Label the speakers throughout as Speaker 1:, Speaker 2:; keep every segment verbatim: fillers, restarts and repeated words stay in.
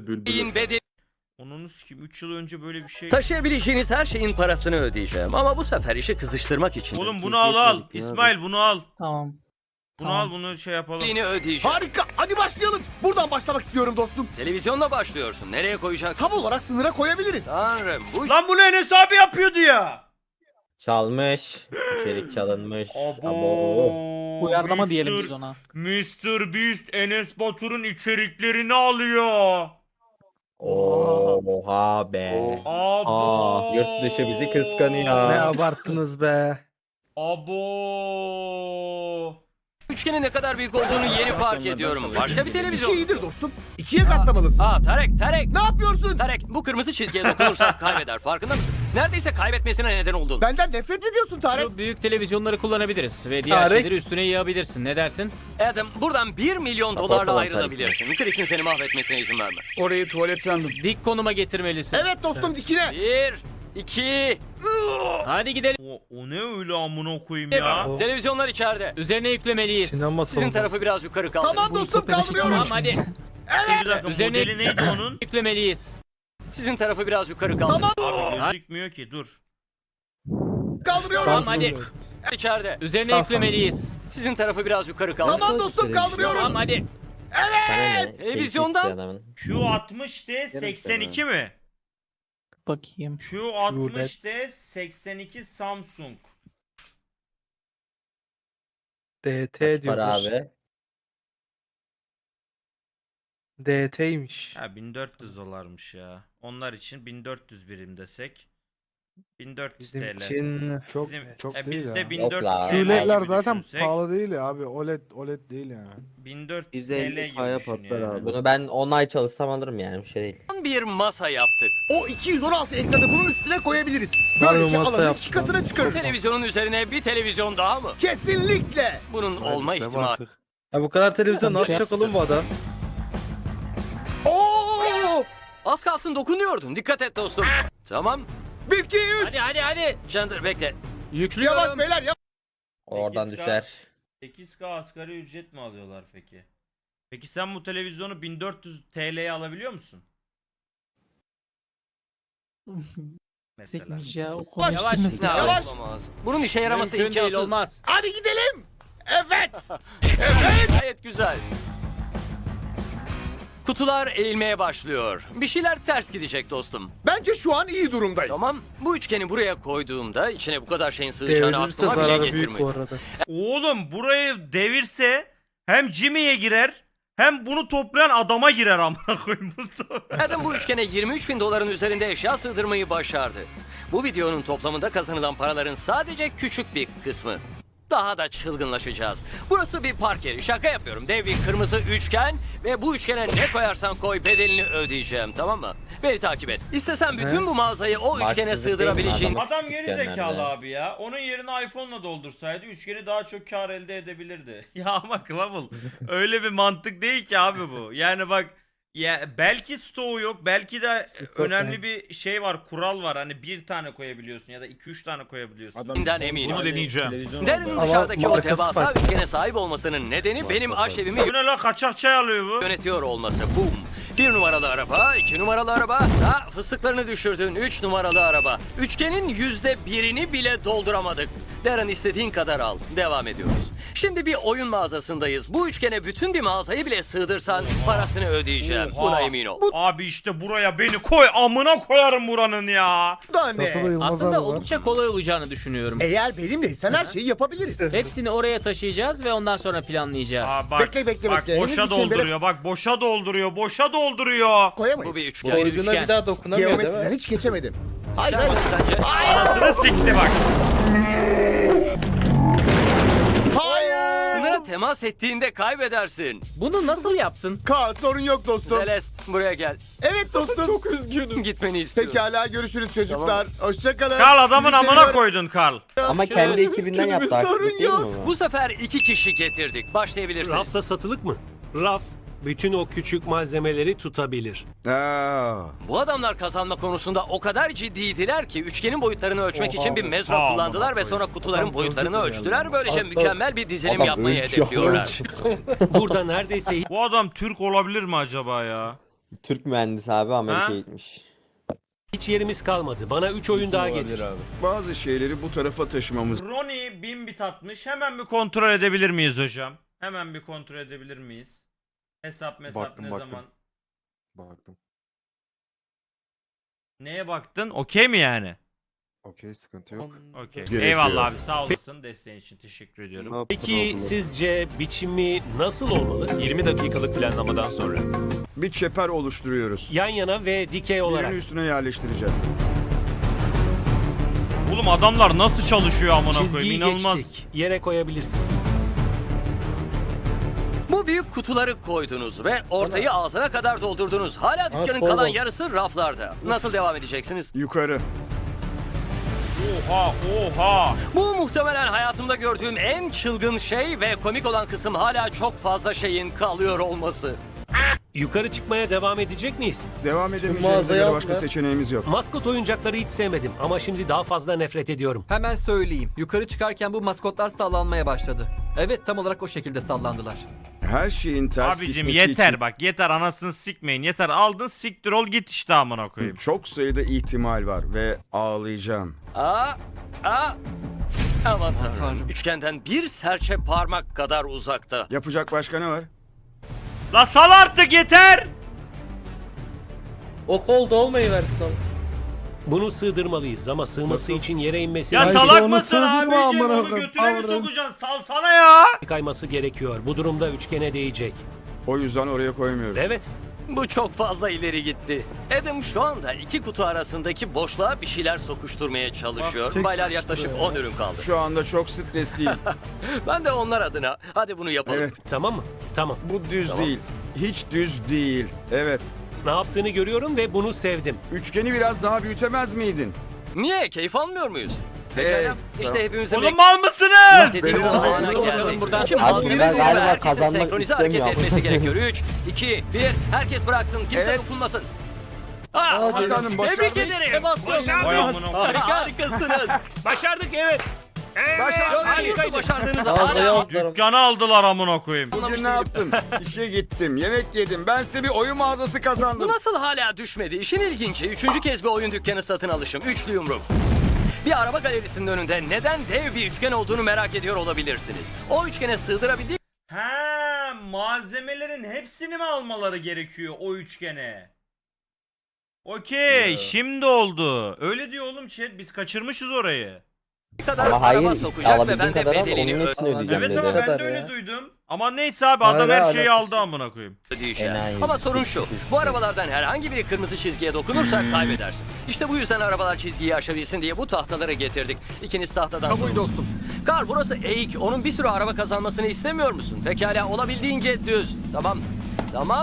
Speaker 1: bülbül.
Speaker 2: bedeli
Speaker 3: Onunu sikim üç yıl önce böyle bir şey.
Speaker 2: taşıyabileceğiniz her şeyin parasını ödeyeceğim. Ama bu sefer işi kızıştırmak için
Speaker 3: Oğlum bunu al al. İsmail bunu al.
Speaker 4: Tamam.
Speaker 3: Bunu
Speaker 4: Tamam.
Speaker 3: al bunu şey yapalım.
Speaker 2: bedeli ödeyeceğim.
Speaker 5: Harika. Hadi başlayalım. Buradan başlamak istiyorum dostum.
Speaker 2: Televizyonla başlıyorsun. Nereye koyacaksın?
Speaker 5: Tam olarak sınıra koyabiliriz.
Speaker 2: Tanrım bu
Speaker 3: Lan bunu Enes abi yapıyordu ya.
Speaker 1: Çalmış. İçerik çalınmış. Abo.
Speaker 3: Abo.
Speaker 4: Uyarlama diyelim
Speaker 3: Mister
Speaker 4: biz ona.
Speaker 3: mister Beast Enes Batur'un içeriklerini alıyor.
Speaker 1: Oha be.
Speaker 3: Abo.
Speaker 1: Aa, yurt dışı bizi kıskanıyor.
Speaker 6: Ne abarttınız be.
Speaker 3: Abo.
Speaker 2: üçgenin ne kadar büyük olduğunu yeni fark ediyorum. Başka bir
Speaker 5: İki
Speaker 2: televizyon.
Speaker 5: iyidir dostum. İkiye katlamalısın.
Speaker 2: Aa Tarek, Tarek.
Speaker 5: Ne yapıyorsun?
Speaker 2: Tarek bu kırmızı çizgiye dokunursak kaybeder. Farkında mısın? Neredeyse kaybetmesine neden oldun.
Speaker 5: Benden nefret mi ediyorsun Tarık?
Speaker 7: Şu büyük televizyonları kullanabiliriz ve diğer
Speaker 6: Tarık.
Speaker 7: şeyleri üstüne yığabilirsin. Ne dersin?
Speaker 2: Adam buradan bir milyon dolarla
Speaker 1: Kapatalım
Speaker 2: ayrılabilirsin. Chris'in seni mahvetmesine izin verme.
Speaker 7: Orayı tuvalet sandım. Dik konuma getirmelisin.
Speaker 5: Evet dostum dikine.
Speaker 2: Bir, iki.
Speaker 7: Hadi gidelim.
Speaker 3: O, o ne öyle amına koyayım ya.
Speaker 2: Televizyonlar içeride.
Speaker 7: Üzerine yüklemeliyiz.
Speaker 6: Sinema
Speaker 2: Sizin
Speaker 6: salonu.
Speaker 2: tarafı biraz yukarı kaldır.
Speaker 5: Tamam dostum
Speaker 7: Tamam
Speaker 5: kaldırıyorum.
Speaker 7: hadi.
Speaker 3: Bir dakika
Speaker 7: Üzerine-
Speaker 3: modeli neydi onun?
Speaker 7: Yüklemeliyiz.
Speaker 2: Sizin tarafı biraz yukarı kaldır.
Speaker 5: Tamam
Speaker 3: Abi gözükmüyor ki dur.
Speaker 5: kaldırıyorum.
Speaker 7: Tamam hadi.
Speaker 2: İçeride.
Speaker 7: Üzerine
Speaker 6: Sağ
Speaker 7: yüklemeliyiz.
Speaker 2: Sizin tarafı biraz yukarı kaldır.
Speaker 5: Tamam dostum kaldırıyorum.
Speaker 7: Tamam hadi.
Speaker 1: Evet.
Speaker 2: Televizyondan-
Speaker 3: Q altmış D seksen iki mi?
Speaker 4: Bakayım.
Speaker 3: Q altmış D seksen iki Samsung.
Speaker 6: D T
Speaker 1: Kaç para
Speaker 6: diyorlar.
Speaker 1: abi?
Speaker 6: D T'ymiş.
Speaker 3: Ha bin dört yüz dolarmış ya. Onlar için bin dört yüz birim desek. bin dört yüz
Speaker 6: Bizim
Speaker 3: TL.
Speaker 6: için
Speaker 8: Çok
Speaker 3: Bizim,
Speaker 8: çok
Speaker 3: e,
Speaker 8: değil
Speaker 3: bizde
Speaker 8: ya.
Speaker 3: bin
Speaker 1: Yok
Speaker 3: dört
Speaker 1: la.
Speaker 3: yüz T L
Speaker 8: Q L D'ler
Speaker 3: gibi
Speaker 8: zaten
Speaker 3: düşünsek,
Speaker 8: pahalı değil ya abi. O L E D O L E D değil yani.
Speaker 3: bin dört yüz
Speaker 1: yüz
Speaker 3: T L
Speaker 1: elli
Speaker 3: gibi
Speaker 1: kaya
Speaker 3: düşün
Speaker 1: patlar
Speaker 3: yani.
Speaker 1: abi. Bunu ben on ay çalışsam alırım yani bir şey değil.
Speaker 2: Bir masa yaptık.
Speaker 5: O iki yüz on altı ekranı bunun üstüne koyabiliriz.
Speaker 6: Harbi
Speaker 5: Böylece
Speaker 6: masa
Speaker 5: alanı
Speaker 6: yaptım
Speaker 5: iki katına
Speaker 2: Bu
Speaker 5: çıkarırız.
Speaker 2: televizyonun üzerine bir televizyon daha mı?
Speaker 5: Kesinlikle.
Speaker 2: Bunun olma
Speaker 8: Maalesef
Speaker 2: ihtimali.
Speaker 8: artık.
Speaker 6: Ya bu kadar televizyon ne
Speaker 4: Tamam, şey
Speaker 6: yapacak oğlum bu adam?
Speaker 5: Oo!
Speaker 2: Az kalsın dokunuyordun. Dikkat et dostum. Tamam.
Speaker 5: Bir, iki, üç.
Speaker 7: Hadi hadi hadi.
Speaker 2: Chandler bekle.
Speaker 7: Yüklüyorum.
Speaker 5: Yavaş beyler yavaş.
Speaker 1: Oradan
Speaker 3: sekiz K
Speaker 1: düşer.
Speaker 3: sekiz K asgari ücret mi alıyorlar peki? Peki sen bu televizyonu bin dört yüz T L'ye alabiliyor musun? Mesela.
Speaker 4: Sekmiş ya. O
Speaker 5: Yavaş,
Speaker 4: konuyu
Speaker 7: yavaş,
Speaker 4: bitirmesin.
Speaker 2: Ne
Speaker 5: Yavaş.
Speaker 2: olamaz. Bunun işe yaraması
Speaker 7: Mümkün değil,
Speaker 2: imkansız.
Speaker 7: olmaz.
Speaker 5: Hadi gidelim. Evet.
Speaker 2: Gayet güzel. Kutular eğilmeye başlıyor. Bir şeyler ters gidecek dostum.
Speaker 5: Bence şu an iyi durumdayız.
Speaker 2: Tamam. Bu üçgeni buraya koyduğumda içine bu kadar şeyin sığacağını
Speaker 6: Devrilirse
Speaker 2: aklıma bile
Speaker 6: zararı büyük bu
Speaker 2: getirmedi.
Speaker 6: arada.
Speaker 3: Oğlum burayı devirse hem Jimmy'ye girer hem bunu toplayan adama girer amına koyayım.
Speaker 2: Adam bu üçgene yirmi üç bin doların üzerinde eşya sığdırmayı başardı. Bu videonun toplamında kazanılan paraların sadece küçük bir kısmı. Daha da çılgınlaşacağız. Burası bir park yeri. Şaka yapıyorum. Dev bir kırmızı üçgen ve bu üçgene ne koyarsan koy bedelini ödeyeceğim, tamam mı? Beni takip et. İstesen bütün bu mağazayı o üçgene
Speaker 1: Haksızlık değil mi?
Speaker 2: sığdırabileceğin...
Speaker 1: Adam-
Speaker 3: Adam geri
Speaker 1: Üçgenlerde.
Speaker 3: zekalı abi ya. Onun yerine iPhone'la doldursaydı üçgeni daha çok kar elde edebilirdi. Ya ama Clavel öyle bir mantık değil ki abi bu. Yani bak ya belki stoğu yok, belki de önemli bir şey var, kural var. Hani bir tane koyabiliyorsun ya da iki üç tane koyabiliyorsun.
Speaker 2: ...inden eminim.
Speaker 7: Bunu deneyeceğim.
Speaker 2: Darren'ın
Speaker 6: Ama
Speaker 2: dışarıdaki o
Speaker 6: markası
Speaker 2: devasa
Speaker 6: farklı.
Speaker 2: üçgene sahip olmasının nedeni benim aşevimi
Speaker 3: Bu ne la, kaçak çay alıyor bu.
Speaker 2: yönetiyor olması. Boom. Bir numaralı araba, iki numaralı araba, ha fıstıklarını düşürdün, üç numaralı araba. Üçgenin yüzde birini bile dolduramadık. Darren istediğin kadar al. Devam ediyoruz. Şimdi bir oyun mağazasındayız. Bu üçgene bütün bir mağazayı bile sığdırsan parasını ödeyeceğim.
Speaker 3: Oha.
Speaker 2: Buna emin ol.
Speaker 3: Abi işte buraya beni koy, amına koyarım buranın ya.
Speaker 5: Bu da ne?
Speaker 8: Nasıl da Yılmaz
Speaker 7: Aslında
Speaker 8: abi var.
Speaker 7: oldukça kolay olacağını düşünüyorum.
Speaker 5: Eğer benimleysen her şeyi yapabiliriz.
Speaker 7: Hepsini oraya taşıyacağız ve ondan sonra planlayacağız.
Speaker 3: Aa, bak,
Speaker 5: Bekle, bekle,
Speaker 3: bak
Speaker 5: bekle.
Speaker 3: boşa
Speaker 5: Henüz bir çembere-
Speaker 3: dolduruyor, bak boşa dolduruyor, boşa dolduruyor.
Speaker 5: Koyamayız.
Speaker 2: Bu bir
Speaker 7: Bu
Speaker 2: üçgen.
Speaker 7: bir
Speaker 6: Ucuna
Speaker 7: üçgen.
Speaker 6: bir daha dokunamıyor değil
Speaker 5: Geometriden
Speaker 6: mi?
Speaker 5: hiç geçemedim. Hayır hayır.
Speaker 2: Sence?
Speaker 3: Anasını sikti bak.
Speaker 5: Hayır.
Speaker 2: Sınıra temas ettiğinde kaybedersin.
Speaker 7: Bunu nasıl yaptın?
Speaker 5: Kaan sorun yok dostum.
Speaker 2: Celeste buraya gel.
Speaker 5: Evet dostum. Çok
Speaker 2: Üzgünüm. Gitmeni istiyorum.
Speaker 5: Pekala görüşürüz çocuklar. Hoşçakalın.
Speaker 3: Karl adamın
Speaker 5: Sizi
Speaker 3: amına
Speaker 5: seviyorum.
Speaker 3: koydun Karl.
Speaker 1: Ama kendi ekibinden yaptı.
Speaker 5: sorun
Speaker 1: Haksızlık değil mi
Speaker 5: yok.
Speaker 1: bu?
Speaker 2: Bu sefer iki kişi getirdik. Başlayabilirsiniz.
Speaker 9: Rafta satılık mı? Raf bütün o küçük malzemeleri tutabilir.
Speaker 8: Aa.
Speaker 2: Bu adamlar kazanma konusunda o kadar ciddiydiler ki üçgenin boyutlarını ölçmek
Speaker 6: Oha.
Speaker 2: için bir mezro
Speaker 3: Oha,
Speaker 2: kullandılar ve
Speaker 3: amına
Speaker 2: sonra kutuların
Speaker 6: Adam
Speaker 2: boyutlarını
Speaker 6: özür
Speaker 2: ölçtüler.
Speaker 6: dilerim.
Speaker 2: Böylece
Speaker 6: Adam-
Speaker 2: mükemmel bir dizilim
Speaker 1: Adam
Speaker 2: yapmayı
Speaker 1: ölçüyor,
Speaker 2: hedefliyorlar.
Speaker 9: Burada neredeyse
Speaker 3: Bu adam Türk olabilir mi acaba ya?
Speaker 1: Türk mühendis abi Amerika'ya gitmiş.
Speaker 9: Hiç yerimiz kalmadı. Bana üç oyun daha getir.
Speaker 8: Bazı şeyleri bu tarafa taşımamız.
Speaker 3: Ronnie bin bit atmış. Hemen bir kontrol edebilir miyiz hocam? Hemen bir kontrol edebilir miyiz? Hesap mesap
Speaker 5: Baktım,
Speaker 3: ne
Speaker 5: baktım.
Speaker 3: zaman?
Speaker 5: Baktım.
Speaker 3: Neye baktın? Okey mi yani?
Speaker 5: Okey, sıkıntı yok.
Speaker 3: Okey.
Speaker 8: Gerekiyor.
Speaker 3: Eyvallah abi, sağ olasın. Desteğin için teşekkür ediyorum.
Speaker 9: Peki sizce biçimi nasıl olmalı?
Speaker 10: yirmi dakikalık planlamadan sonra.
Speaker 8: Bir çeper oluşturuyoruz.
Speaker 9: Yan yana ve dikey olarak.
Speaker 8: Birini üstüne yerleştireceğiz.
Speaker 3: Oğlum adamlar nasıl çalışıyor amına koyayım?
Speaker 9: Çizgiyi
Speaker 3: İnanılmaz.
Speaker 9: geçtik. Yere koyabilirsin.
Speaker 2: Bu büyük kutuları koydunuz ve ortayı ağzına kadar doldurdunuz. Hala dükkanın
Speaker 6: kol
Speaker 2: kalan
Speaker 6: bol.
Speaker 2: yarısı raflarda. Nasıl devam edeceksiniz?
Speaker 8: Yukarı.
Speaker 3: Oha oha.
Speaker 2: Bu muhtemelen hayatımda gördüğüm en çılgın şey ve komik olan kısım hala çok fazla şeyin kalıyor olması.
Speaker 9: Yukarı çıkmaya devam edecek miyiz?
Speaker 8: Devam edemeyeceğimize
Speaker 6: mağazayı
Speaker 8: göre
Speaker 6: al
Speaker 8: başka
Speaker 6: ya.
Speaker 8: seçeneğimiz yok.
Speaker 9: Maskot oyuncakları hiç sevmedim ama şimdi daha fazla nefret ediyorum.
Speaker 10: Hemen söyleyeyim. Yukarı çıkarken bu maskotlar sallanmaya başladı. Evet, tam olarak o şekilde sallandılar.
Speaker 8: Her şeyin ters
Speaker 3: Abicim
Speaker 8: gitmesi
Speaker 3: yeter
Speaker 8: için
Speaker 3: bak, yeter, anasını sikmeyin. Yeter, aldın siktir ol git işte amına koyayım.
Speaker 8: çok sayıda ihtimal var ve ağlayacağım.
Speaker 2: Aa, aa. Aman tanrım.
Speaker 10: Tanrım.
Speaker 2: Üçgenden bir serçe parmak kadar uzakta.
Speaker 8: Yapacak başka ne var?
Speaker 3: La sal artık, yeter.
Speaker 6: O kol dolmayı versin ama.
Speaker 9: Bunu sığdırmalıyız ama sığması için yere inmesi
Speaker 3: Ya
Speaker 5: Ay,
Speaker 3: salak
Speaker 5: sonra
Speaker 3: mısın
Speaker 5: sığdırma
Speaker 3: abicim?
Speaker 5: amına
Speaker 3: Onu
Speaker 5: koyayım,
Speaker 3: götüne mi
Speaker 5: tavrın.
Speaker 3: sokacaksın? Salsana ya.
Speaker 9: kayması gerekiyor. Bu durumda üçgene değecek.
Speaker 8: O yüzden oraya koymuyoruz.
Speaker 9: Evet.
Speaker 2: Bu çok fazla ileri gitti. Adam şu anda iki kutu arasındaki boşluğa bir şeyler sokuşturmaya çalışıyor.
Speaker 5: tek
Speaker 2: Baylar
Speaker 5: sıçtı
Speaker 2: yaklaşık
Speaker 5: ya.
Speaker 2: on ürün kaldı.
Speaker 8: Şu anda çok stresliyim.
Speaker 2: Ben de onlar adına hadi bunu yapalım.
Speaker 8: Evet,
Speaker 9: Tamam mı? Tamam.
Speaker 8: bu düz
Speaker 2: Tamam.
Speaker 8: değil. Hiç düz değil. Evet.
Speaker 9: Ne yaptığını görüyorum ve bunu sevdim.
Speaker 8: Üçgeni biraz daha büyütemez miydin?
Speaker 2: Niye? Keyif almıyor muyuz?
Speaker 8: Hey,
Speaker 2: İşte hepimizin
Speaker 3: Oğlum mal mısınız?
Speaker 2: beklediği
Speaker 5: Benim-
Speaker 2: o ana
Speaker 5: Benim-
Speaker 2: geldik.
Speaker 7: buradan.
Speaker 2: Kim
Speaker 1: Abi
Speaker 2: malzeme
Speaker 1: ben
Speaker 2: buldu ve
Speaker 1: galiba
Speaker 2: herkesin
Speaker 1: kazanmak
Speaker 2: senkronize hareket
Speaker 1: istemiyorum.
Speaker 2: etmesi gerekiyor. üç, iki, bir. Herkes bıraksın. Kimse
Speaker 8: Evet.
Speaker 2: dokunmasın. Aa,
Speaker 8: Hatanım,
Speaker 2: tebrik
Speaker 8: başardık.
Speaker 2: ederim.
Speaker 3: Vay amına koyayım.
Speaker 2: Harikasınız.
Speaker 9: Başardık, evet. Evet.
Speaker 8: Başardık.
Speaker 2: Çok iyi.
Speaker 9: Harikaydı.
Speaker 2: Başardığınızı
Speaker 6: Ağzına
Speaker 2: hala
Speaker 6: atlarım.
Speaker 3: Dükkanı aldılar amına koyayım.
Speaker 8: Bugün ne yaptın? İşe gittim, yemek yedim. Ben size bir oyun mağazası
Speaker 2: Bu
Speaker 8: kazandım.
Speaker 2: nasıl hala düşmedi? İşin ilginci. Üçüncü kez bir oyun dükkanı satın alışım. Üçlü yumruk. Bir araba galerisinin önünde neden dev bir üçgen olduğunu merak ediyor olabilirsiniz. O üçgene sığdırabildiği
Speaker 3: He, malzemelerin hepsini mi almaları gerekiyor o üçgene? Okey, şimdi oldu. Öyle diyor oğlum chat, biz kaçırmışız orayı.
Speaker 2: kadar
Speaker 1: Ama
Speaker 2: araba
Speaker 1: hayır
Speaker 2: sokacak ve
Speaker 1: alabildiğin
Speaker 2: ben de
Speaker 1: kadar al
Speaker 2: bedelini
Speaker 1: onun hepsini ödeyeceğim
Speaker 3: Evet
Speaker 1: dedi.
Speaker 3: ama ben
Speaker 6: kadar
Speaker 3: de öyle
Speaker 6: ya.
Speaker 3: duydum. Ama neyse abi, adam
Speaker 6: Hayır,
Speaker 3: her şeyi
Speaker 6: alakası
Speaker 3: aldı amına koyayım.
Speaker 2: ödeyeceğim.
Speaker 1: Enayi.
Speaker 2: Ama sorun şu. Bu arabalardan herhangi biri kırmızı çizgiye dokunursa
Speaker 1: Hmm.
Speaker 2: kaybedersin. İşte bu yüzden arabalar çizgiyi aşabilsin diye bu tahtaları getirdik. İkiniz tahtadan
Speaker 10: Kabul
Speaker 2: sorumlusunuz.
Speaker 10: dostum.
Speaker 2: Karl, burası eğik. Onun bir sürü araba kazanmasını istemiyor musun? Pekala, olabildiğince düz. Tamam. Tamam.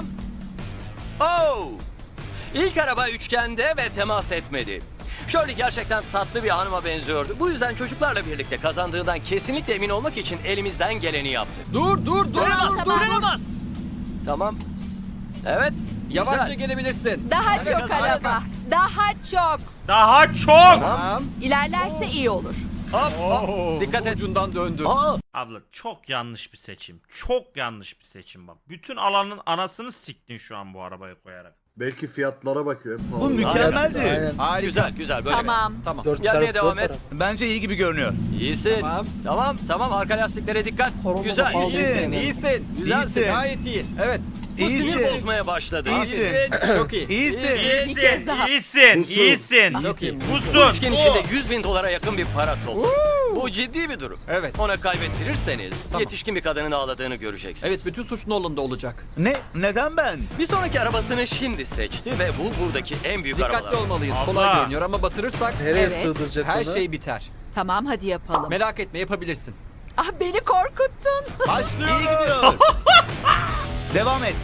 Speaker 2: Oh! İlk araba üçgende ve temas etmedi. Shirley gerçekten tatlı bir hanıma benziyordu. Bu yüzden çocuklarla birlikte kazandığından kesinlikle emin olmak için elimizden geleni yaptık.
Speaker 10: Dur dur dur
Speaker 2: Duramaz,
Speaker 10: dur dur.
Speaker 2: duramaz. Tamam. Evet.
Speaker 10: Yavaşça
Speaker 2: güzel.
Speaker 10: gelebilirsin.
Speaker 11: Daha
Speaker 2: Evet,
Speaker 11: çok
Speaker 2: harika.
Speaker 11: araba. Daha çok.
Speaker 3: Daha çok.
Speaker 10: Tamam.
Speaker 11: İlerlerse iyi olur.
Speaker 2: Hop, hop. Dikkat et.
Speaker 10: Ucundan döndü.
Speaker 3: Abla çok yanlış bir seçim. Çok yanlış bir seçim bak. Bütün alanın anasını siktin şu an bu arabaya koyarak.
Speaker 5: Belki fiyatlara bakıyor. en
Speaker 10: Bu
Speaker 5: pahalı.
Speaker 10: mükemmeldi.
Speaker 6: Aynen.
Speaker 10: Harika.
Speaker 2: Güzel, güzel. Böyle.
Speaker 11: Tamam.
Speaker 10: Tamam.
Speaker 6: Dört
Speaker 2: Gelmeye
Speaker 6: çarpı
Speaker 2: devam
Speaker 6: dört
Speaker 2: et.
Speaker 6: taraf.
Speaker 10: Bence iyi gibi görünüyor.
Speaker 2: İyisin.
Speaker 10: Tamam.
Speaker 2: Tamam, tamam. Arka lastiklere dikkat.
Speaker 6: Korona da
Speaker 2: Güzel.
Speaker 6: pahalı.
Speaker 10: İyisin, iyisin.
Speaker 2: Güzelsin.
Speaker 10: İyisin. Gayet iyi. Evet.
Speaker 2: Bu sinir bozmaya başladı.
Speaker 10: İyisin. Çok iyi. İyisin.
Speaker 2: İyisin.
Speaker 11: Bir kez daha.
Speaker 3: İyisin,
Speaker 5: Busun.
Speaker 3: iyisin.
Speaker 10: Çok iyi.
Speaker 2: Bu
Speaker 3: Busun.
Speaker 2: üçgen içinde yüz bin dolara yakın bir para toplu. Bu ciddi bir durum.
Speaker 10: Evet.
Speaker 2: Ona kaybettirirseniz
Speaker 10: Tamam.
Speaker 2: yetişkin bir kadının ağladığını göreceksiniz.
Speaker 10: Evet, bütün suç Nolan'da olacak. Ne? Neden ben?
Speaker 2: Bir sonraki arabasını şimdi seçti ve bu buradaki en büyük arabalar.
Speaker 10: Dikkatli olmalıyız.
Speaker 3: Abla.
Speaker 10: Kolay görünüyor ama batırırsak
Speaker 6: Nereye
Speaker 11: Evet.
Speaker 6: sığdıracak
Speaker 10: her
Speaker 6: onu?
Speaker 10: şey biter.
Speaker 11: Tamam, hadi yapalım.
Speaker 10: Merak etme, yapabilirsin.
Speaker 11: Ah, beni korkuttun.
Speaker 10: Başlıyor. İyi gidiyor. Devam et.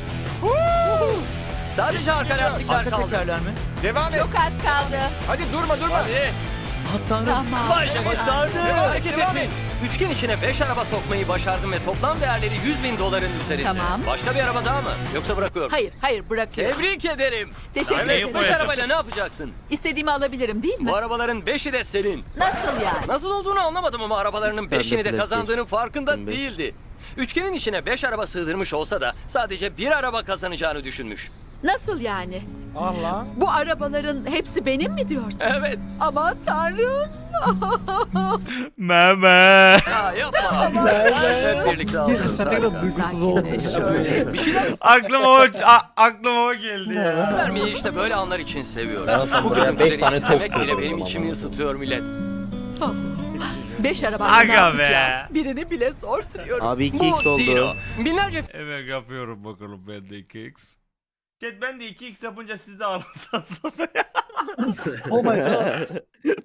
Speaker 2: Sadece arka lastikler kaldı.
Speaker 10: mi? Devam et.
Speaker 11: Çok az kaldı.
Speaker 10: Hadi durma durma.
Speaker 2: Hadi.
Speaker 10: Ha tanrım.
Speaker 11: Tamam.
Speaker 2: Vay canına.
Speaker 10: Başardı.
Speaker 2: Hareket
Speaker 10: Devam
Speaker 2: etmeyin. Üçgen içine beş araba sokmayı başardım ve toplam değerleri yüz bin doların üzerinde.
Speaker 11: Tamam.
Speaker 2: Başka bir araba daha mı? Yoksa bırakıyorum.
Speaker 11: Hayır, hayır bırakıyorum.
Speaker 2: Tebrik ederim.
Speaker 11: Teşekkür
Speaker 3: Ay,
Speaker 11: ederim.
Speaker 3: neyi
Speaker 2: Beş arabayla ne yapacaksın?
Speaker 11: İstediğimi alabilirim değil mi?
Speaker 2: Bu arabaların beşi de senin.
Speaker 11: Nasıl yani?
Speaker 2: Nasıl olduğunu anlamadım ama arabalarının
Speaker 1: Ben de
Speaker 2: beşini de
Speaker 1: PlayStation.
Speaker 2: kazandığının farkında
Speaker 1: Ben beş.
Speaker 2: değildi. Üçgenin içine beş araba sığdırmış olsa da sadece bir araba kazanacağını düşünmüş.
Speaker 11: Nasıl yani?
Speaker 6: Allah.
Speaker 11: Bu arabaların hepsi benim mi diyorsun?
Speaker 2: Evet.
Speaker 11: Aman tanrım.
Speaker 3: Meme.
Speaker 2: Ya yapma. Hep birlikte alıyoruz.
Speaker 4: Sen ne kadar duygusuz oldun ya.
Speaker 11: Şöyle.
Speaker 2: Bir şeyler
Speaker 3: aklıma o a- aklıma o geldi ya.
Speaker 2: vermeyi işte böyle anlar için seviyorum.
Speaker 1: Ben olsam
Speaker 2: Bu
Speaker 1: buraya beş
Speaker 2: görüntüleri
Speaker 1: tane top
Speaker 2: izlemek bile
Speaker 1: sokurdum
Speaker 2: benim
Speaker 1: ama.
Speaker 2: içimi ısıtıyor millet.
Speaker 11: Beş araba
Speaker 3: Aga
Speaker 11: ne yapacağım?
Speaker 3: be.
Speaker 11: Birini bile zor sürüyorum.
Speaker 1: Abi iki
Speaker 2: Bu
Speaker 1: x oldu.
Speaker 2: Dino. Binlerce
Speaker 3: Evet yapıyorum bakalım ben de iki x. Chat ben de iki x yapınca siz de alırsanız.
Speaker 4: Oh my god.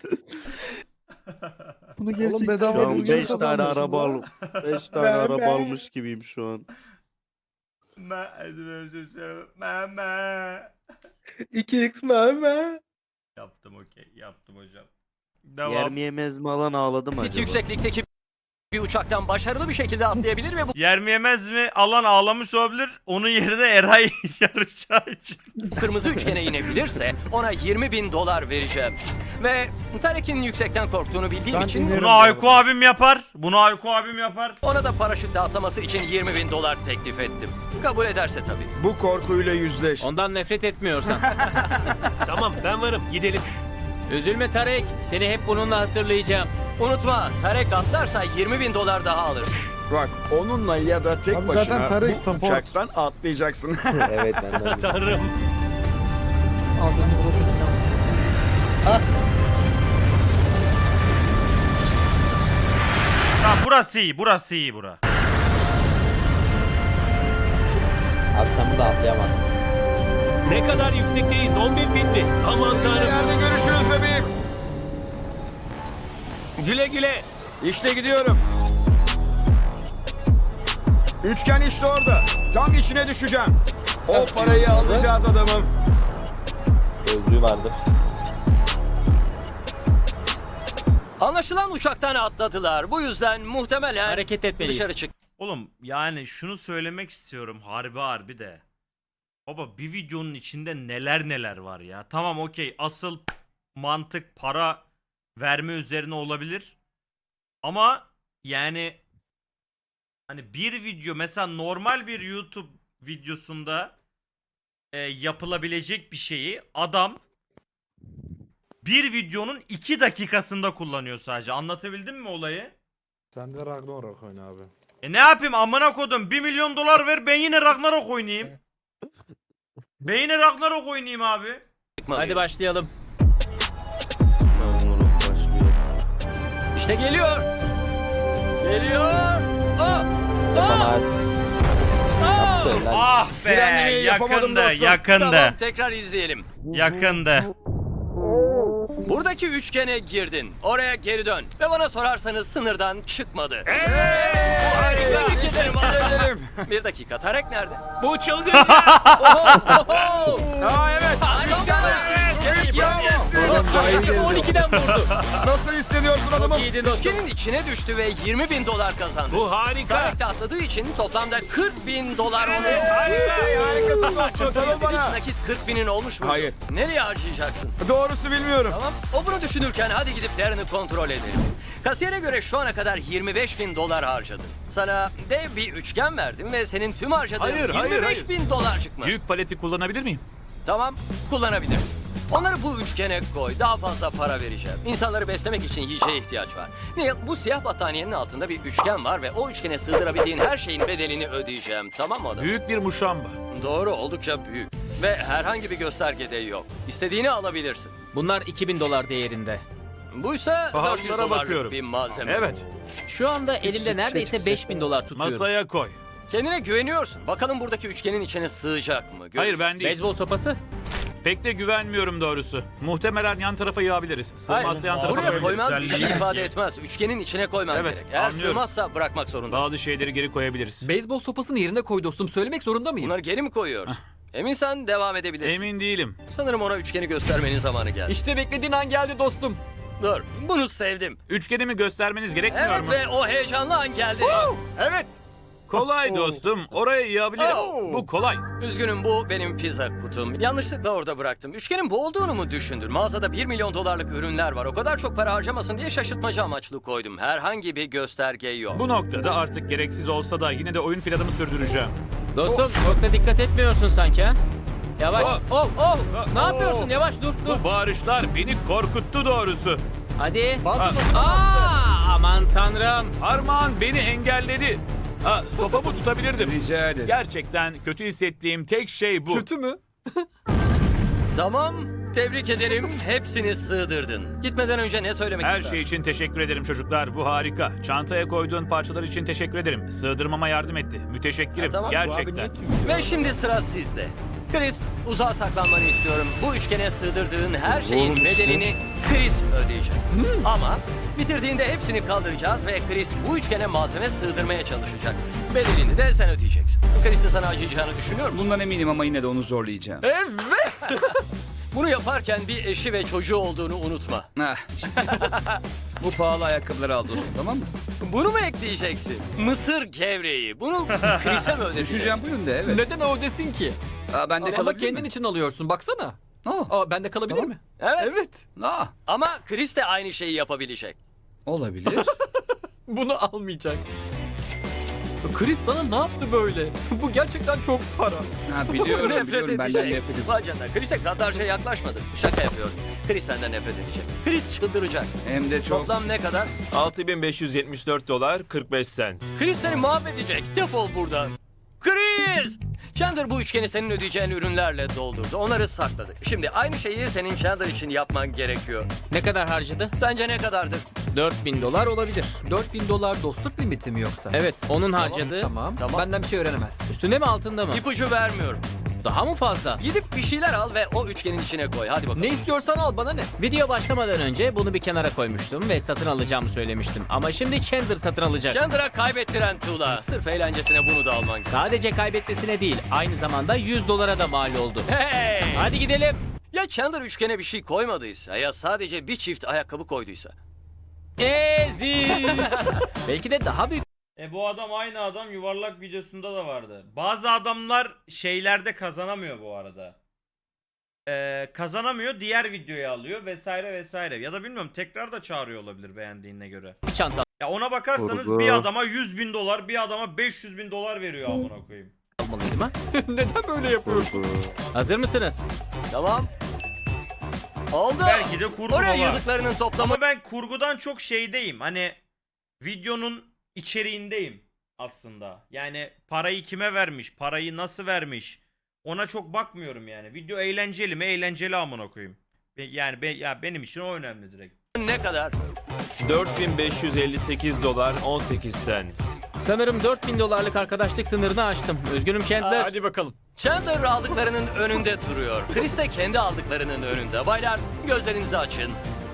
Speaker 4: Bunu gerçekten
Speaker 5: Oğlum bedava
Speaker 4: Şu an
Speaker 5: ucuz
Speaker 4: beş
Speaker 5: kazanmışsın
Speaker 4: tane
Speaker 5: lan.
Speaker 1: beş tane araba almış gibiyim şu an.
Speaker 3: Meme.
Speaker 6: iki x meme.
Speaker 3: Yaptım okey yaptım hocam. Devam.
Speaker 1: Yer mi yemez mi alan ağladım
Speaker 2: fit
Speaker 1: acaba?
Speaker 2: yükseklikteki bir uçaktan başarılı bir şekilde atlayabilir ve bu
Speaker 3: Yer mi yemez mi alan ağlamış olabilir. Onun yerine Eray yarışacağı için.
Speaker 2: kırmızı üçgene inebilirse ona yirmi bin dolar vereceğim. Ve Tarek'in yüksekten korktuğunu bildiğim
Speaker 5: Ben
Speaker 2: için
Speaker 5: inerim.
Speaker 3: Bunu Ayko abim yapar. Bunu Ayko abim yapar.
Speaker 2: ona da paraşütle atlaması için yirmi bin dolar teklif ettim. Kabul ederse tabii.
Speaker 8: Bu korkuyla yüzleş.
Speaker 7: Ondan nefret etmiyorsan.
Speaker 9: Tamam ben varım gidelim.
Speaker 7: Üzülme Tarek. Seni hep bununla hatırlayacağım.
Speaker 2: Unutma, Tarek atlarsa yirmi bin dolar daha alırsın.
Speaker 8: Bak onunla ya da tek
Speaker 5: Abi zaten
Speaker 8: başına
Speaker 5: Tarık
Speaker 8: bu
Speaker 5: support.
Speaker 8: uçaktan atlayacaksın.
Speaker 1: Evet ben de.
Speaker 9: Tanrım.
Speaker 4: Al beni buradakini al.
Speaker 3: Tamam burası iyi burası iyi bura.
Speaker 1: Abi sen burada atlayamazsın.
Speaker 9: Ne kadar yüksekteyiz? on bin fit mi? Aman tanrım.
Speaker 8: Yerde görüşürüz bebeğim.
Speaker 9: Güle güle.
Speaker 8: İşte gidiyorum. Üçgen işte orada. Tam içine düşeceğim. O parayı alacağız adamım.
Speaker 1: Gözlüğü vardı.
Speaker 2: Anlaşılan uçaktan atladılar. Bu yüzden muhtemelen
Speaker 7: Hareket etmeliyiz.
Speaker 2: dışarı çık.
Speaker 3: Oğlum yani şunu söylemek istiyorum harbi harbi de. Baba bir videonun içinde neler neler var ya. Tamam okey asıl mantık para verme üzerine olabilir. Ama yani hani bir video mesela normal bir YouTube videosunda e, yapılabilecek bir şeyi adam bir videonun iki dakikasında kullanıyor sadece. Anlatabildim mi olayı?
Speaker 5: Sen de Ragnarok oyna abi.
Speaker 3: E ne yapayım amına kodum bir milyon dolar ver ben yine Ragnarok oynayayım. Ben yine Ragnarok oynayayım abi.
Speaker 7: Hadi başlayalım.
Speaker 2: İşte geliyor. Geliyor. Aa!
Speaker 1: Yapamaz. Yaptı helal.
Speaker 3: Ah be
Speaker 8: Frenlemeyi yapamadım
Speaker 3: yakındı
Speaker 8: dostum.
Speaker 3: yakındı
Speaker 2: Tamam tekrar izleyelim.
Speaker 3: yakındı.
Speaker 2: Buradaki üçgene girdin. Oraya geri dön. Ve bana sorarsanız sınırdan çıkmadı. Tebrik ederim.
Speaker 8: Ederim.
Speaker 2: Bir dakika Tarek nerede?
Speaker 9: Bu çılgın.
Speaker 2: Oho, oho.
Speaker 8: Aa evet.
Speaker 2: Tarek on ikiden vurdu.
Speaker 8: Nasıl hissediyorsun adamım?
Speaker 7: İyiydin dostum.
Speaker 2: Üçgenin içine düştü ve yirmi bin dolar kazandı.
Speaker 9: Bu harika.
Speaker 2: Tarek de atladığı için toplamda kırk bin dolar onu.
Speaker 8: Hey, harikasın dostum. Sarıl
Speaker 2: Senin
Speaker 8: bana.
Speaker 2: hiç nakit kırk binin olmuş mu?
Speaker 8: Hayır.
Speaker 2: Nereye harcayacaksın?
Speaker 8: Doğrusu bilmiyorum.
Speaker 2: Tamam. O bunu düşünürken hadi gidip Darren'ı kontrol edelim. Kasiyere göre şu ana kadar yirmi beş bin dolar harcadın. Sana dev bir üçgen verdim ve senin tüm harcadığın
Speaker 9: Hayır, hayır,
Speaker 2: yirmi beş
Speaker 9: hayır.
Speaker 2: bin dolar çıkma.
Speaker 9: Büyük paleti kullanabilir miyim?
Speaker 2: Tamam, kullanabilirsin. Onları bu üçgene koy. Daha fazla para vereceğim. İnsanları beslemek için yiyeceğe ihtiyaç var. Neil, bu siyah battaniyenin altında bir üçgen var ve o üçgene sığdırabildiğin her şeyin bedelini ödeyeceğim. Tamam mı adam?
Speaker 9: Büyük bir muşamba.
Speaker 2: Doğru, oldukça büyük. Ve herhangi bir göstergede yok. İstediğini alabilirsin.
Speaker 7: Bunlar iki bin dolar değerinde.
Speaker 2: Buysa dört yüz
Speaker 9: Pahalılara
Speaker 2: dolarlık
Speaker 9: bakıyorum.
Speaker 2: bir malzeme.
Speaker 9: Evet.
Speaker 7: Şu anda elimde neredeyse beş bin dolar tutuyorum.
Speaker 9: Masaya koy.
Speaker 2: Kendine güveniyorsun. Bakalım buradaki üçgenin içine sığacak mı? Göreceğiz.
Speaker 9: Hayır ben değil.
Speaker 7: Beyzbol sopası?
Speaker 9: Pek de güvenmiyorum doğrusu. Muhtemelen yan tarafa yığabiliriz. Sığmazsa yan tarafa
Speaker 2: Buraya
Speaker 9: koyabiliriz.
Speaker 2: koyman bir şey
Speaker 3: Güzellik
Speaker 2: ifade
Speaker 3: ya.
Speaker 2: etmez. Üçgenin içine koyman
Speaker 9: Evet,
Speaker 2: gerek. Eğer
Speaker 9: anlıyorum.
Speaker 2: sığmazsa bırakmak zorundasın.
Speaker 9: Bazı şeyleri geri koyabiliriz.
Speaker 10: Beyzbol sopasını yerine koy dostum. Söylemek zorunda mıyım?
Speaker 2: Bunları geri mi koyuyoruz? Eminsen devam edebilirsin.
Speaker 9: Emin değilim.
Speaker 2: Sanırım ona üçgeni göstermenin zamanı geldi.
Speaker 10: İşte beklediğin an geldi dostum.
Speaker 2: Dur, bunu sevdim.
Speaker 9: Üçgenimi göstermeniz gerekmiyor
Speaker 2: Evet
Speaker 9: mu?
Speaker 2: ve o heyecanlı an geldi.
Speaker 8: Evet.
Speaker 9: Kolay dostum. Oraya yığabilirim.
Speaker 2: Oh.
Speaker 9: Bu kolay.
Speaker 2: Üzgünüm bu benim pizza kutum. Yanlışlıkla orada bıraktım. Üçgenin bu olduğunu mu düşündün? Mağazada bir milyon dolarlık ürünler var. O kadar çok para harcamasın diye şaşırtmacı amaçlı koydum. Herhangi bir gösterge yok.
Speaker 9: Bu noktada artık gereksiz olsa da yine de oyun planımı sürdüreceğim.
Speaker 7: Dostum çok da dikkat etmiyorsun sanki ha? Yavaş. Oh oh. Ne yapıyorsun? Yavaş dur dur.
Speaker 9: Bu bağırışlar beni korkuttu doğrusu.
Speaker 7: Hadi.
Speaker 10: Baltı
Speaker 7: Aa, aman tanrım.
Speaker 9: Armağan beni engelledi. Ha, sopamı tutabilirdim.
Speaker 8: Rica ederim.
Speaker 9: Gerçekten kötü hissettiğim tek şey bu.
Speaker 10: kötü mü?
Speaker 2: Tamam. Tebrik ederim. Hepsini sığdırdın. Gitmeden önce ne söylemek
Speaker 9: Her
Speaker 2: istersin?
Speaker 9: şey için teşekkür ederim çocuklar. Bu harika. Çantaya koyduğun parçalar için teşekkür ederim. Sığdırmama yardım etti. Müteşekkirim.
Speaker 2: Ha, tamam.
Speaker 9: Gerçekten.
Speaker 2: Ve şimdi sıra sizde. Chris, uzağa saklanmanı istiyorum. Bu üçgene sığdırdığın her şeyin bedelini Chris ödeyecek. Ama bitirdiğinde hepsini kaldıracağız ve Chris bu üçgene malzeme sığdırmaya çalışacak. Bedelini de sen ödeyeceksin. Chris'in sana acıyacağını düşünüyor musun?
Speaker 8: Bundan eminim ama yine de onu zorlayacağım.
Speaker 10: Evet.
Speaker 2: Bunu yaparken bir eşi ve çocuğu olduğunu unutma.
Speaker 8: Ah, işte. Bu pahalı ayakkabıları al dostum, tamam mı?
Speaker 2: Bunu mu ekleyeceksin? Mısır gevreği. Bunu Chris'e mi ödeyeceksin?
Speaker 8: Düşüneceğim bu yönde, evet.
Speaker 10: Neden o desin ki?
Speaker 8: Aa, ben de
Speaker 10: Ama
Speaker 8: kalabilir
Speaker 10: kendin
Speaker 8: mi?
Speaker 10: için alıyorsun baksana.
Speaker 8: Oh,
Speaker 10: Aa, bende kalabilir
Speaker 8: Tamam.
Speaker 10: mi?
Speaker 2: Evet.
Speaker 10: Evet.
Speaker 8: ah,
Speaker 2: Ama Chris de aynı şeyi yapabilecek.
Speaker 8: olabilir.
Speaker 10: Bunu almayacak. Chris sana ne yaptı böyle? Bu gerçekten çok para.
Speaker 8: Ha, biliyorum,
Speaker 2: nefret
Speaker 8: biliyorum. Benden
Speaker 2: edecek.
Speaker 8: nefret ediyor.
Speaker 2: Vay canına. Chris'e kadarca yaklaşmadık. Şaka yapıyorum. Chris senden nefret edecek. Chris çıldıracak.
Speaker 8: Hem de çok...
Speaker 2: Toplam ne kadar?
Speaker 9: altı bin beş yüz yetmiş dört dolar kırk beş sent.
Speaker 2: Chris seni mahvedecek. Defol buradan. Chris! Chandler bu üçgeni senin ödeyeceğin ürünlerle doldurdu. Onları sakladı. Şimdi aynı şeyi senin Chandler için yapman gerekiyor.
Speaker 7: Ne kadar harcadı?
Speaker 2: Sence ne kadardır?
Speaker 7: dört bin dolar olabilir.
Speaker 10: dört bin dolar dostluk limiti mi yoksa?
Speaker 7: Evet, onun harcadığı.
Speaker 10: Tamam.
Speaker 2: Tamam.
Speaker 10: Benden bir şey öğrenemez.
Speaker 7: Üstünde mi altında mı?
Speaker 2: İpucu vermiyorum.
Speaker 7: Daha mı fazla?
Speaker 2: Gidip bir şeyler al ve o üçgenin içine koy. Hadi bakalım.
Speaker 10: Ne istiyorsan al, bana ne?
Speaker 7: Video başlamadan önce bunu bir kenara koymuştum ve satın alacağımı söylemiştim. Ama şimdi Chandler satın alacak.
Speaker 2: Chandler'a kaybettiren tuğla. Sırf eğlencesine bunu da alman gerekiyor.
Speaker 7: Sadece kaybetmesine değil, aynı zamanda yüz dolara da mal oldu.
Speaker 2: Hey!
Speaker 7: Hadi gidelim.
Speaker 2: Ya Chandler üçgene bir şey koymadıysa ya sadece bir çift ayakkabı koyduysa.
Speaker 7: Ezi. Belki de daha büyük
Speaker 3: E bu adam aynı adam yuvarlak videosunda da vardı. Bazı adamlar şeylerde kazanamıyor bu arada. Ee, kazanamıyor, diğer videoyu alıyor vesaire vesaire. Ya da bilmiyorum, tekrar da çağırıyor olabilir beğendiğine göre.
Speaker 7: bir çanta
Speaker 3: Ya ona bakarsanız
Speaker 1: Kurgu.
Speaker 3: bir adama yüz bin dolar, bir adama beş yüz bin dolar veriyor amına koyayım.
Speaker 7: almalıydım ha.
Speaker 10: Neden böyle yapıyorsun?
Speaker 7: Hazır mısınız?
Speaker 2: Tamam. Oldu.
Speaker 3: Belki de kurgu
Speaker 2: Oraya
Speaker 3: var.
Speaker 2: yığdıklarının toplamı.
Speaker 3: Ama ben kurgudan çok şeydeyim. Hani videonun içeriğindeyim aslında. Yani parayı kime vermiş, parayı nasıl vermiş, ona çok bakmıyorum yani. Video eğlenceli mi? Eğlenceli amına koyayım. Be- Yani be- ya benim için o önemli direkt.
Speaker 2: Ne kadar?
Speaker 9: dört bin beş yüz elli sekiz dolar on sekiz sent.
Speaker 7: Sanırım dört bin dolarlık arkadaşlık sınırını aştım. Üzgünüm Chandler.
Speaker 10: Hadi bakalım.
Speaker 2: Chandler aldıklarının önünde duruyor. Chris de kendi aldıklarının önünde. Baylar gözlerinizi açın.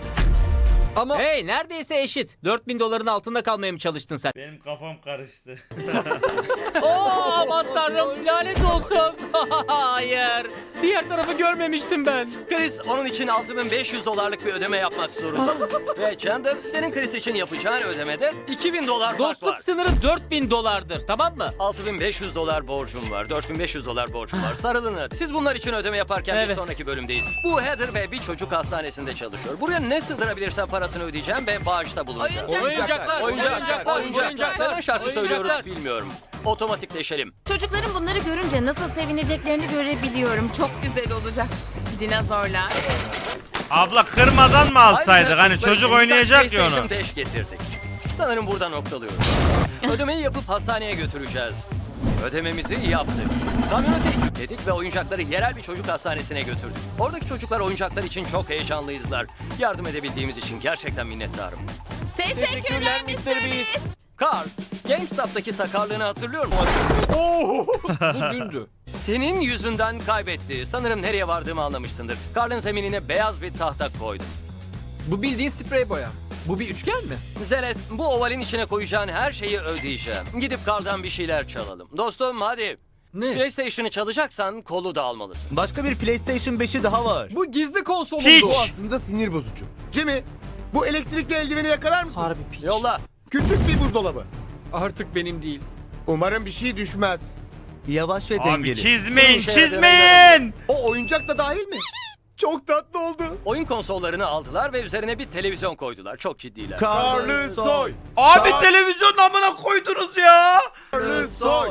Speaker 10: Ama
Speaker 7: Hey, neredeyse eşit. dört bin doların altında kalmaya mı çalıştın sen?
Speaker 3: Benim kafam karıştı.
Speaker 7: Oo, aman tanrım, lanet olsun. Hayır. Diğer tarafı görmemiştim ben.
Speaker 2: Chris onun için altı bin beş yüz dolarlık bir ödeme yapmak zorundasın. Ve Chandler senin Chris için yapacağın ödemede iki bin dolar fark var.
Speaker 7: Dostluk sınırı dört bin dolardır, tamam mı?
Speaker 2: altı bin beş yüz dolar borcum var. dört bin beş yüz dolar borcum var. Sarılın. Siz bunlar için ödeme yaparken bir
Speaker 7: Evet.
Speaker 2: sonraki bölümdeyiz. Bu Heather ve bir çocuk hastanesinde çalışıyor. Buraya ne sığdırabilirsem parasını ödeyeceğim ve bağışta bulunacağım.
Speaker 11: Oyuncaklar.
Speaker 7: Oyuncaklar,
Speaker 2: Oyuncaklar,
Speaker 7: oyuncaklar,
Speaker 2: oyuncaklar.
Speaker 7: oyuncaklar.
Speaker 2: Neden şarkı
Speaker 7: Oyuncaklar.
Speaker 2: söylüyoruz bilmiyorum. Otomatikleşelim.
Speaker 11: Çocukların bunları görünce nasıl sevineceklerini görebiliyorum. Çok güzel olacak. Dinozorlar.
Speaker 3: Abla kırmadan mı alsaydık?
Speaker 2: Ayrıca
Speaker 3: Hani
Speaker 2: çocuklar
Speaker 3: çocuk
Speaker 2: için
Speaker 3: oynayacak ya
Speaker 2: PlayStation
Speaker 3: onu.
Speaker 2: beş getirdik. Sanırım burada noktalıyoruz. Ödemeyi yapıp hastaneye götüreceğiz. Ödememizi yaptık. Kamyonete yükledik ve oyuncakları yerel bir çocuk hastanesine götürdük. Oradaki çocuklar oyuncaklar için çok heyecanlıydılar. Yardım edebildiğimiz için gerçekten minnettarım.
Speaker 11: Teşekkürler mister Beast.
Speaker 2: Carl, GameStop'taki sakarlığını hatırlıyor musun?
Speaker 10: Oo, bu dündü.
Speaker 2: Senin yüzünden kaybetti. Sanırım nereye vardığımı anlamışsındır. Carl'ın zeminine beyaz bir tahta koydum.
Speaker 10: Bu bildiğin sprey boya. Bu bir üçgen mi?
Speaker 2: Zeles, bu ovalin içine koyacağın her şeyi ödeyeceğim. Gidip Carl'dan bir şeyler çalalım. Dostum hadi.
Speaker 10: Ne?
Speaker 2: PlayStation'ı çalacaksan kolu da almalısın.
Speaker 1: Başka bir PlayStation beşi daha var.
Speaker 10: Bu gizli konsolun
Speaker 3: Hiç.
Speaker 10: bu.
Speaker 8: aslında sinir bozucu. Jimmy, bu elektrikli eldiveni yakalar mısın?
Speaker 4: Harbi piç.
Speaker 2: Yolla.
Speaker 8: Küçük bir buzdolabı.
Speaker 10: Artık benim değil.
Speaker 8: Umarım bir şey düşmez.
Speaker 1: Yavaş ve
Speaker 3: Abi
Speaker 1: dengeli.
Speaker 3: çizmeyin,
Speaker 2: Şey yapıyorum,
Speaker 3: çizmeyin.
Speaker 8: O oyuncak da dahil mi? Çok tatlı oldu.
Speaker 2: Oyun konsollarını aldılar ve üzerine bir televizyon koydular. Çok ciddiler.
Speaker 8: Karlı soy.
Speaker 3: Abi televizyonun amına koydunuz ya.
Speaker 8: Karlı soy.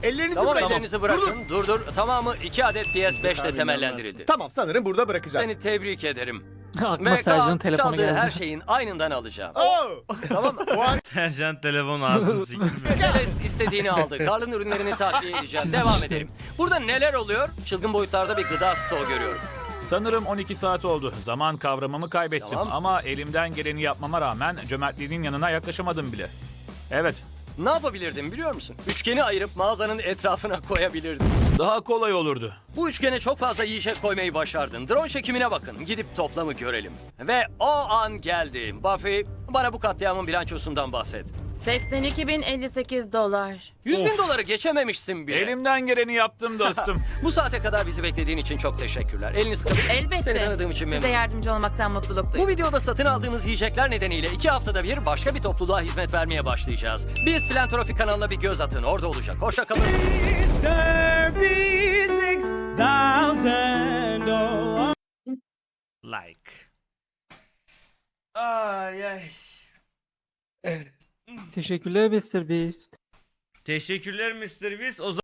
Speaker 8: Ellerinizi
Speaker 2: Tamam
Speaker 8: bırakın.
Speaker 2: ellerinizi bırakın. Dur dur. Tamamı iki adet P S beş ile temellendirildi.
Speaker 8: Tamam sanırım burada bırakacağız.
Speaker 2: Seni tebrik ederim.
Speaker 4: Aklıma
Speaker 2: Ve
Speaker 4: Sercan'ın
Speaker 2: Kaan
Speaker 4: telefonu
Speaker 2: çaldığı
Speaker 4: geldi.
Speaker 2: her şeyin aynından alacağım.
Speaker 8: Oh!
Speaker 2: Tamam mı?
Speaker 3: Sercan telefon ağzını sikmiş.
Speaker 2: Celeste istediğini aldı. Karl'ın ürünlerini takviye edeceğim. Devam edelim. Burada neler oluyor? Çılgın boyutlarda bir gıda stoğu görüyorum.
Speaker 9: Sanırım on iki saat oldu. Zaman kavramımı kaybettim.
Speaker 2: Tamam.
Speaker 9: Ama elimden geleni yapmama rağmen cömertliğinin yanına yaklaşamadım bile. Evet,
Speaker 2: Ne yapabilirdim biliyor musun? Üçgeni ayırıp mağazanın etrafına koyabilirdim.
Speaker 9: daha kolay olurdu.
Speaker 2: Bu üçgene çok fazla yiyecek koymayı başardın. Drone çekimine bakın. Gidip toplamı görelim. Ve o an geldi. Buffy, bana bu katliamın bilançosundan bahset.
Speaker 11: seksen iki bin elli sekiz dolar.
Speaker 2: yüz bin doları geçememişsin bile.
Speaker 9: Elimden geleni yaptım dostum.
Speaker 2: Bu saate kadar bizi beklediğin için çok teşekkürler. Elini sıkabilir miyim?
Speaker 11: Elbette.
Speaker 2: Seni tanıdığım için
Speaker 11: Size
Speaker 2: memnunum.
Speaker 11: yardımcı olmaktan mutluluk
Speaker 2: Bu
Speaker 11: duydum.
Speaker 2: videoda satın aldığımız yiyecekler nedeniyle iki haftada bir başka bir topluluğa hizmet vermeye başlayacağız. Biz Filantrofi kanalına bir göz atın. Orada olacak. Hoşça kalın.
Speaker 3: Like. Ay ay.
Speaker 4: Teşekkürler mister Beast.
Speaker 3: Teşekkürler mister Beast. O